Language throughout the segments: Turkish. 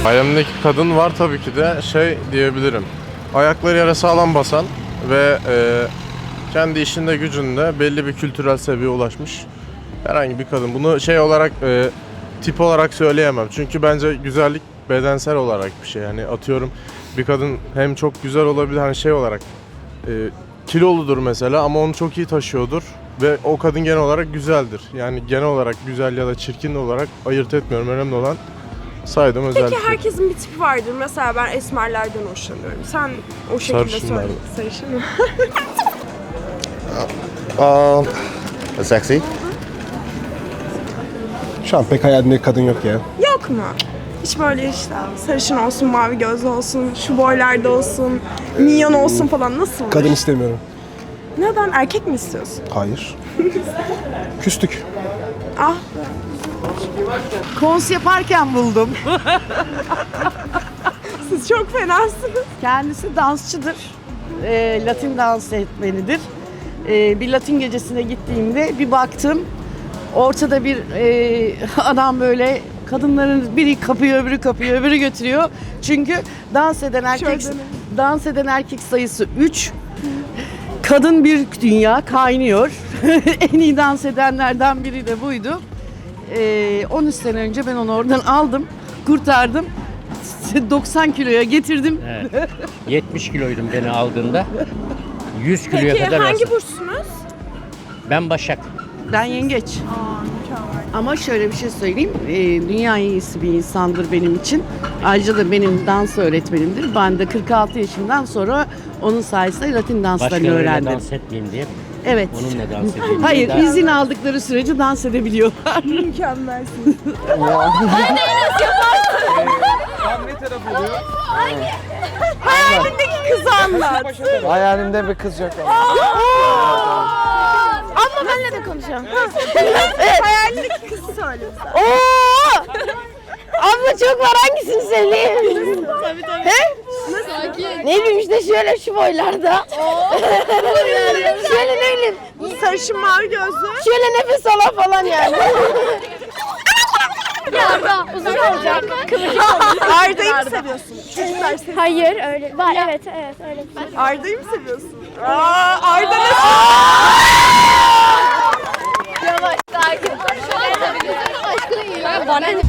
Hayalimdeki kadın var tabii ki de şey diyebilirim. Ayakları yere sağlam basan ve kendi işinde gücünde belli bir kültürel seviyeye ulaşmış herhangi bir kadın. Bunu şey olarak tip olarak söyleyemem. Çünkü bence güzellik bedensel olarak bir şey. Yani atıyorum bir kadın hem çok güzel olabilir hani şey olarak kiloludur mesela ama onu çok iyi taşıyordur ve o kadın genel olarak güzeldir. Yani genel olarak güzel ya da çirkin olarak ayırt etmiyorum. Önemli olan saydığım özellikler. Peki herkesin bir tipi vardır. Mesela ben esmerlerden hoşlanıyorum. Sen o şekilde Sarışınlar. söyle. Sarışın mı? Sexy. Şu an pek hayalimdeki kadın yok ya. Yok mu? Hiç böyle işte sarışın olsun, mavi gözlü olsun, şu boylarda olsun, minyon olsun falan nasıl olur? Kadın istemiyorum. Neden? Erkek mi istiyorsun? Hayır. Küstük. Ah Kons yaparken buldum. siz çok fenasınız. Kendisi dansçıdır. Latin dans etmenidir. Bir Latin gecesine gittiğimde bir baktım. Ortada bir adam böyle kadınların biri kapıyor, öbürü kapıyor, öbürü götürüyor. Çünkü dans eden erkek sayısı 3. Kadın bir dünya kaynıyor. En iyi dans edenlerden biri de buydu. 13 sene önce ben onu oradan aldım, kurtardım. 90 kiloya getirdim. Evet. 70 kiloydum beni aldığında. 100 kiloya Peki kadar hangi alsın. burçsunuz? Ben Başak. Ben yengeç. Ama şöyle bir şey söyleyeyim. Dünya iyisi bir insandır benim için. Ayrıca da benim dans öğretmenimdir. Ben de 46 yaşından sonra onun sayesinde Latin danslarını Başkalarıyla öğrendim. dans etmeyeyim diye. Evet. Onunla dans edeyim. Hayır, Daha- izin aldıkları sürece dans edebiliyorlar. Mükemmelsiniz. Hayalindeki kızı anlat. Hayalimde bir kız yok ama. Abla benimle de konuşalım. Hayalindeki kızı söyle. Abla çok var, hangisini söyleyeyim? Tabii. He? Ne bileyim işte şöyle şu boylarda. Şöyle ne bileyim. Sarışın mavi gözlü. Şöyle nefes ala falan yani. Uzun olacak. Arda'yı mı seviyorsun? Çocuklar seviyor. Hayır öyle. Var evet öyle. Arda'yı mı seviyorsun? Arda ne? Yavaş sakin. Bana ne?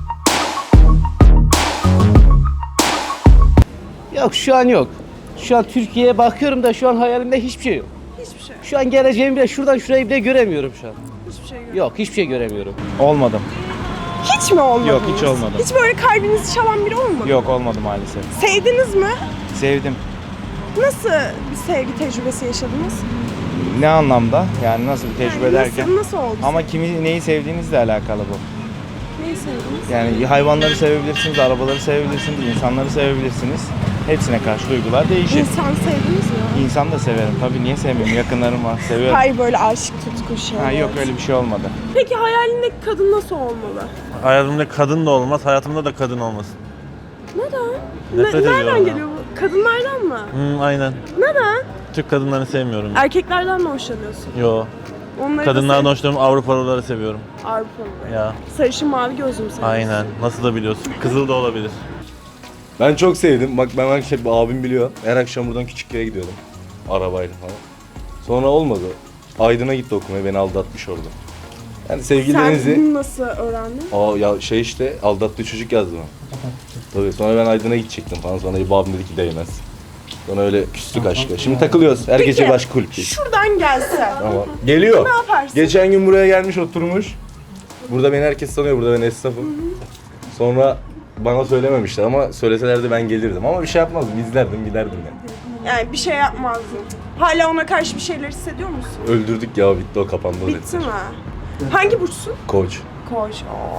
Yok şu an yok. Şu an Türkiye'ye bakıyorum da şu an hayalimde hiçbir şey yok. Hiçbir şey. Şu an geleceğimi bile şuradan şurayı bile göremiyorum şu an. Hiçbir şey yok. Yok hiçbir şey göremiyorum. Olmadım. Hiç mi olmadınız? Yok, hiç olmadı. Hiç böyle kalbinizi çalan biri olmadı? Yok olmadı maalesef. Sevdiniz mi? Sevdim. Nasıl bir sevgi tecrübesi yaşadınız? Ne anlamda? Yani nasıl bir tecrübe derken? Nasıl oldu? Ama kimi neyi sevdiğinizle alakalı bu. Neyi sevdiniz? Yani hayvanları sevebilirsiniz, arabaları sevebilirsiniz, insanları sevebilirsiniz. Hepsine karşı duygular değişir. İnsan sevdiniz mi? İnsan da severim. Tabii niye sevmiyorum? Yakınlarım var. Seviyorum. Hayır böyle aşık tutku şey. Ha, yok öyle bir şey olmadı. Peki hayalindeki kadın nasıl olmalı? Hayalimde kadın da olmaz, hayatımda da kadın olmasın. Neden? Nefret ediyorum Nereden ben. geliyor bu? Kadınlardan mı? Aynen. Neden? Türk kadınlarını sevmiyorum. Erkeklerden mi hoşlanıyorsun? Yo. Onları Kadınlardan da hoşlanıyorum, Avrupalıları seviyorum. Avrupalı. Ya. Sarışın mavi gözlü mü seviyorsun? Aynen. Nasıl da biliyorsun. Kızıl da olabilir. Ben çok sevdim. Bak ben şey, abim biliyor. Her akşam buradan Küçükköy'e gidiyordum. Arabayla falan. Sonra olmadı. Aydın'a gitti okumaya. Beni aldatmış orada. Yani Sen sevgililerinizi... bunu nasıl öğrendin? Ya şey işte aldattığı çocuk yazdı bana. Tabii sonra ben Aydın'a gidecektim falan. Sonra babam dedi ki değmez. Sonra öyle küstük aşka. Şimdi takılıyoruz. Her gece başka kulüpteyiz. Şuradan gelse. Ama geliyor. Ne yaparsın? Geçen gün buraya gelmiş oturmuş. Burada beni herkes tanıyor. Burada ben esnafım. Sonra bana söylememişler ama söyleselerdi ben gelirdim. Ama bir şey yapmazdım. İzlerdim giderdim yani. Yani bir şey yapmazdın. Hala ona karşı bir şeyler hissediyor musun? Öldürdük ya bitti o kapandı o Bitti dediler. mi? Hangi burçsun? Koç. Koç.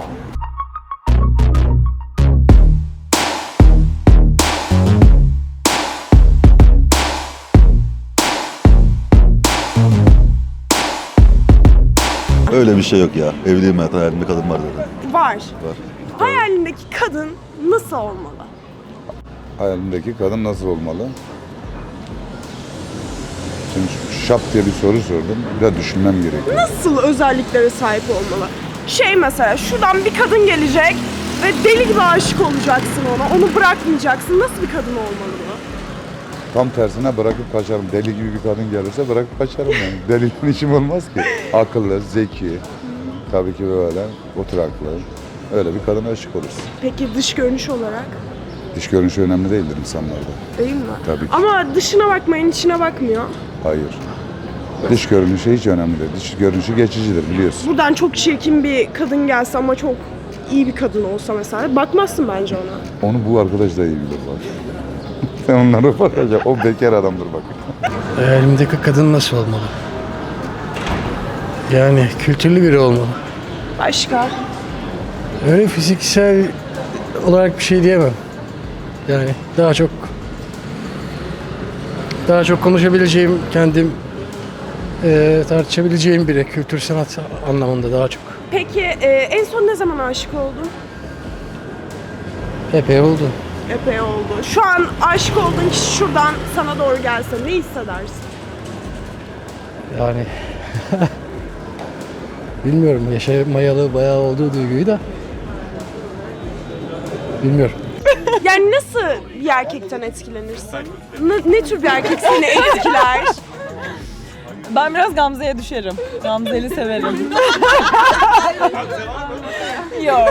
Öyle bir şey yok ya. Evliyim hayat hayalimde kadın var zaten. Var. Var. Hayalindeki kadın nasıl olmalı? Hayalimdeki kadın nasıl olmalı? Şimdi şap diye bir soru sordum. Biraz düşünmem gerekiyor. Nasıl özelliklere sahip olmalı? Şey mesela şuradan bir kadın gelecek, Ve deli gibi aşık olacaksın ona. Onu bırakmayacaksın. Nasıl bir kadın olmalı bu? Tam tersine bırakıp kaçarım. Deli gibi bir kadın gelirse bırakıp kaçarım yani. Deliyle işim olmaz ki. Akıllı, zeki, tabii ki böyle oturaklı. Öyle bir kadına aşık olursun. Peki dış görünüş olarak? Dış görünüşü önemli değildir insanlarda. Değil mi? Tabii ki. Ama dışına bakmayın, içine bakmıyor. Hayır. Dış görünüşü hiç önemli değil. Dış görünüşü geçicidir biliyorsun. Buradan çok çirkin bir kadın gelse ama çok iyi bir kadın olsa mesela bakmazsın bence ona. Onu bu arkadaş da iyi bilir bak. Sen onlara bakacak. O bekar adamdır bak. Elimdeki kadın nasıl olmalı? Yani kültürlü biri olmalı. Başka? Öyle fiziksel olarak bir şey diyemem. Yani daha çok konuşabileceğim, kendim tartışabileceğim biri. Kültür sanat anlamında daha çok. Peki en son ne zaman aşık oldun? Epey oldu. Epey oldu. Şu an aşık olduğun kişi şuradan sana doğru gelse ne hissedersin? Yani bilmiyorum, yaşamayalı bayağı olduğu duyguyu da bilmiyorum. Yani nasıl bir erkekten etkilenirsin? Ne tür bir erkek seni etkiler? Ben biraz Gamze'ye düşerim. Gamze'li severim. Yok.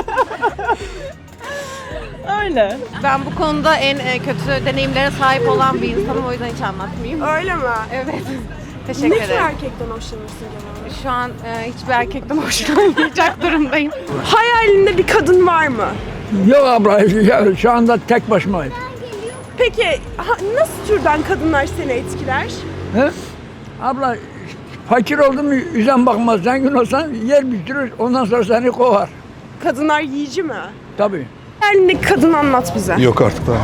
Öyle. Ben bu konuda en kötü deneyimlere sahip olan bir insanım, o yüzden hiç anlatmayayım. Öyle mi? Evet. Teşekkür Ne tür ederim. erkekten hoşlanırsın genelde? Şu an hiçbir erkekten hoşlanmayacak durumdayım. Hayalinde bir kadın var mı? Yok abla, şu anda tek başımayım. Peki nasıl türden kadınlar seni etkiler? He? Abla, fakir oldun mu yüzden bakmaz. Zengin olsan yer bitirir, ondan sonra seni kovar. Kadınlar yiyici mi? Tabii. Hayalindeki kadın anlat bize. Yok artık daha.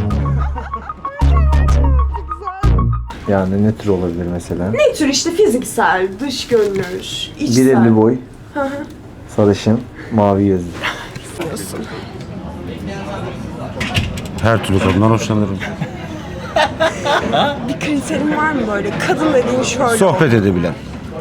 Yani ne tür olabilir mesela? Ne tür işte fiziksel, dış görünüş, içsel. 1.50 boy, Hı hı. sarışın, mavi gözlü. Her türlü kadından hoşlanırım. Bir kriterin var mı böyle? Kadın dediğin şöyle. Sohbet edebilen.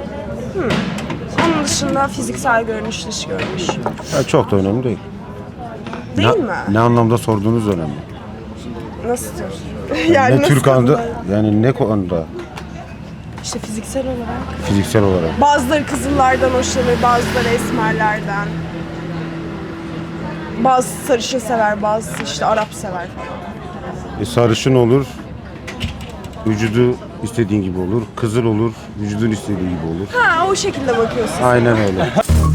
Onun dışında fiziksel görünüş, dış görünüş. Çok da önemli değil. Değil mi? Ne anlamda sorduğunuz önemli. Nasıl tür? Yani ne nasıl tür konuda, kadınlar? yani ne konuda İşte fiziksel olarak. fiziksel olarak. Bazıları kızıllardan hoşlanır, bazıları esmerlerden. Bazısı sarışın sever, bazısı işte Arap sever falan. Sarışın olur, vücudu istediğin gibi olur. Kızıl olur, vücudun istediği gibi olur. Ha, o şekilde bakıyorsun. Aynen öyle.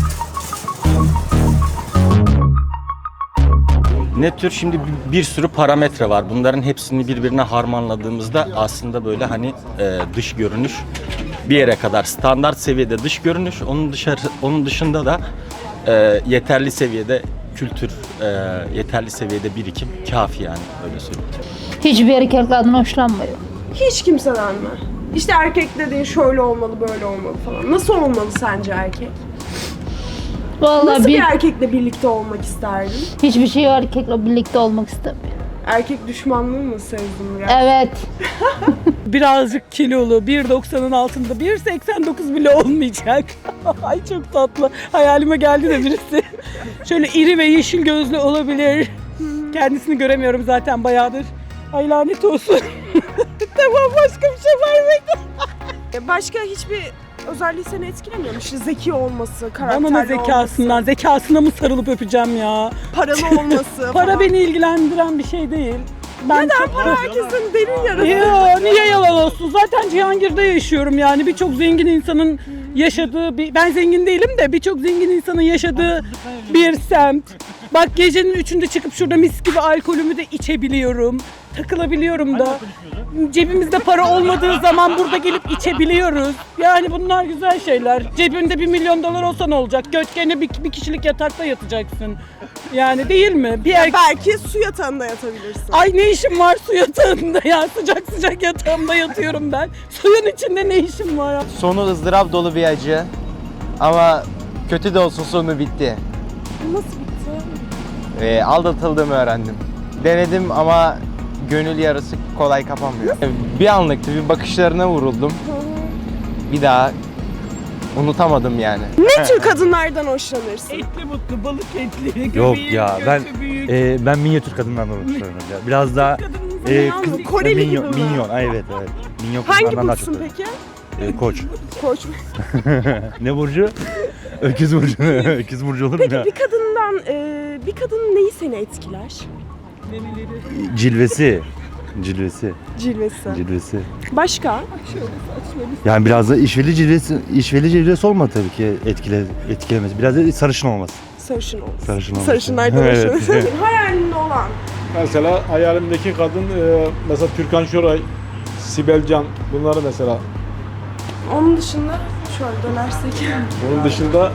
Ne tür? Şimdi bir sürü parametre var. Bunların hepsini birbirine harmanladığımızda aslında böyle hani dış görünüş bir yere kadar standart seviyede dış görünüş. Onun dışında da yeterli seviyede kültür, yeterli seviyede birikim kafi yani öyle söyleyeyim. Hiçbir erkeklerden hoşlanmıyor. Hiç kimseden mi? İşte erkek dediğin şöyle olmalı, böyle olmalı falan. Nasıl olmalı sence erkek? Vallahi Nasıl bir erkekle birlikte olmak isterdin? hiçbir şey erkekle birlikte olmak istemiyor. Erkek düşmanlığı mı sezdin biraz? Evet. Birazcık kilolu, 1.90'ın altında, 1.89 bile olmayacak. Ay çok tatlı. Hayalime geldi de birisi. Şöyle iri ve yeşil gözlü olabilir. Kendisini göremiyorum zaten bayağıdır. Ay lanet olsun. Tamam, başka bir şey var mıydı? Başka hiçbir özelliği seni etkilemiyor mu? İşte zeki olması, karakterli Bana ne zekasından, olması, zekasına mı sarılıp öpeceğim ya? paralı olması Para falan. beni ilgilendiren bir şey değil. Ben Neden? Para herkesin derin yarası. Ya niye yalan olsun? Zaten Cihangir'de yaşıyorum yani. Birçok zengin insanın yaşadığı ben zengin değilim de birçok zengin insanın yaşadığı bir semt. Bak gecenin 3'ünde çıkıp şurada mis gibi alkolümü de içebiliyorum. Takılabiliyorum da. Cebimizde para olmadığı zaman burada gelip içebiliyoruz. Yani bunlar güzel şeyler. Cebinde $1 milyon olsa ne olacak? Götkene bir kişilik yatakta yatacaksın. Yani değil mi? Belki su yatağında yatabilirsin. Ay ne işim var su yatağında ya? Sıcak sıcak yatağımda yatıyorum ben. Suyun içinde ne işim var ya? Sonu ızdırap dolu bir acı. Ama kötü de olsun sonu bitti. Nasıl bitti? Aldatıldığımı öğrendim. Denedim ama gönül yarası kolay kapanmıyor. Bir anlıktı, bir bakışlarına vuruldum. Bir daha Unutamadım yani. Ne tür kadınlardan hoşlanırsın? Etli mutlu, balık etli, Yok göbeği, ya göğsü ben büyük. ben minyatür kadınlardan hoşlanıyorum ya. Biraz daha Minyon, Koreli gibi mi? minyon. Ay, evet. Minyon Hangi kızlardan daha çok burçsun seviyorum. peki? Koç. Koç. Ne burcu? Öküz burcu. Öküz burcu olur mu Peki ya? bir kadının neyi seni etkiler? Cilvesi. Cilvesi. Başka? Yani biraz da işveli cilvesi olmadı tabii ki etkilemesi. Biraz da sarışın olması. Sarışın olsun. Sarışın olması. Sarışınlardan Evet. hoşlanırsın. Hayalinde olan. Mesela hayalimdeki kadın mesela Türkan Şoray, Sibel Can bunları mesela. Onun dışında şöyle dönersek. Onun dışında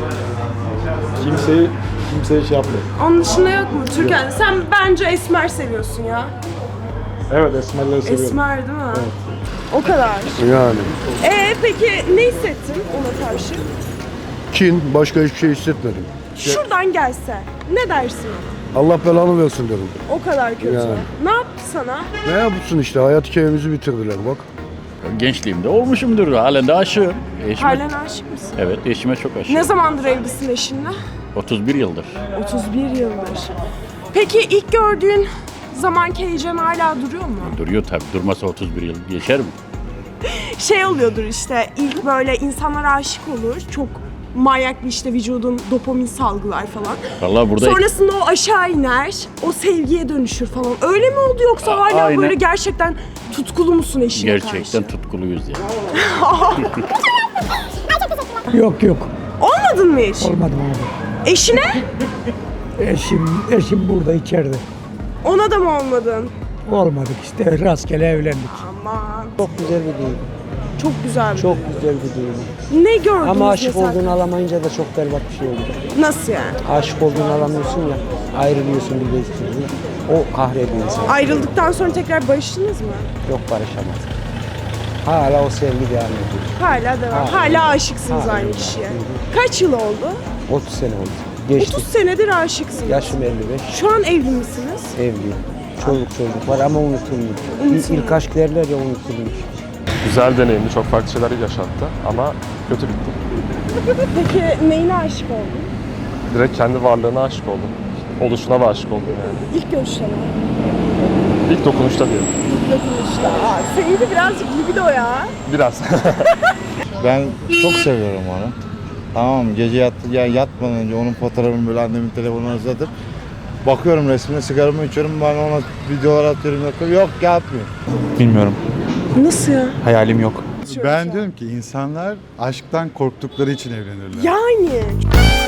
kimseyi şey yapmıyor. Onun dışında yok mu? Türkan, sen bence esmer seviyorsun ya. Evet, esmerleri seviyorum. Esmer değil mi? Evet. O kadar. Yani. Peki ne hissettin ona karşı? Kin, başka hiçbir şey hissetmedim. Şuradan gelse ne dersin? Allah belanı versin dedim. O kadar kötü. Yani. Ne yaptı sana? Ne yapsın işte, hayat hikayemizi bitirdiler bak. Gençliğimde olmuşumdur. Halen de aşığım. Halen aşık mısın? Evet, eşime çok aşığım. Ne zamandır evlisin eşinle? 31 yıldır. 31 yıldır. Peki ilk gördüğün zamanki heyecan hala duruyor mu? Duruyor tabii. Durmasa 31 yıl geçer mi? Şey oluyordur işte, ilk böyle insanlar aşık olur. Çok manyak bir işte vücudun dopamin salgılar falan. Vallahi burada Sonrasında o aşağı iner, o sevgiye dönüşür falan. Öyle mi oldu yoksa hala aynen. böyle gerçekten tutkulu musun eşine gerçekten karşı? tutkuluyuz yani. Yok yok. Olmadın mı hiç? Olmadım abi. Eşine? Eşim burada içeride. Ona da mı olmadın? Olmadık işte rastgele evlendik. Aman. Çok güzel bir düğün. Çok güzel. Çok güzel bir düğün. Ne gördünüz Ama aşık mesela? olduğunu alamayınca da çok berbat bir şey oldu. Nasıl yani? Aşık olduğunu alamıyorsun ya, ayrılıyorsun bir bezdiğin. O kahrediyor insanı. Ayrıldıktan sonra tekrar barıştınız mı? Yok, barışamaz. Hala o sevgi devam ediyor. Hala devam. Hala aşıksınız aynı kişiye. Kaç yıl oldu? 30 sene oldu. Geçti. 30 senedir aşıksınız. Yaşım 55. Şu an evli misiniz? Evliyim. Çocuk var ama unutulmuyor. İlk aşk derler ya, unutulmuyor. Güzel deneyimdi, çok farklı şeyler yaşattı ama kötü bitti. Peki neyine aşık oldun? Direkt kendi varlığına aşık oldum. Oluşuna da aşık oldum yani. İlk görüşte mi? İlk dokunuşta diyelim. İlk dokunuşta. Seninki birazcık libido ya. Biraz. Ben çok seviyorum onu. Tamam mı? Gece yatmadan önce onun fotoğrafını böyle annemin telefonuna uzatıp bakıyorum resmine, sigaramı içiyorum, ben ona videolar atıyorum, yok yapmıyor. Bilmiyorum. Nasıl ya? Hayalim yok. Ben diyorum ki insanlar aşktan korktukları için evlenirler. Yani.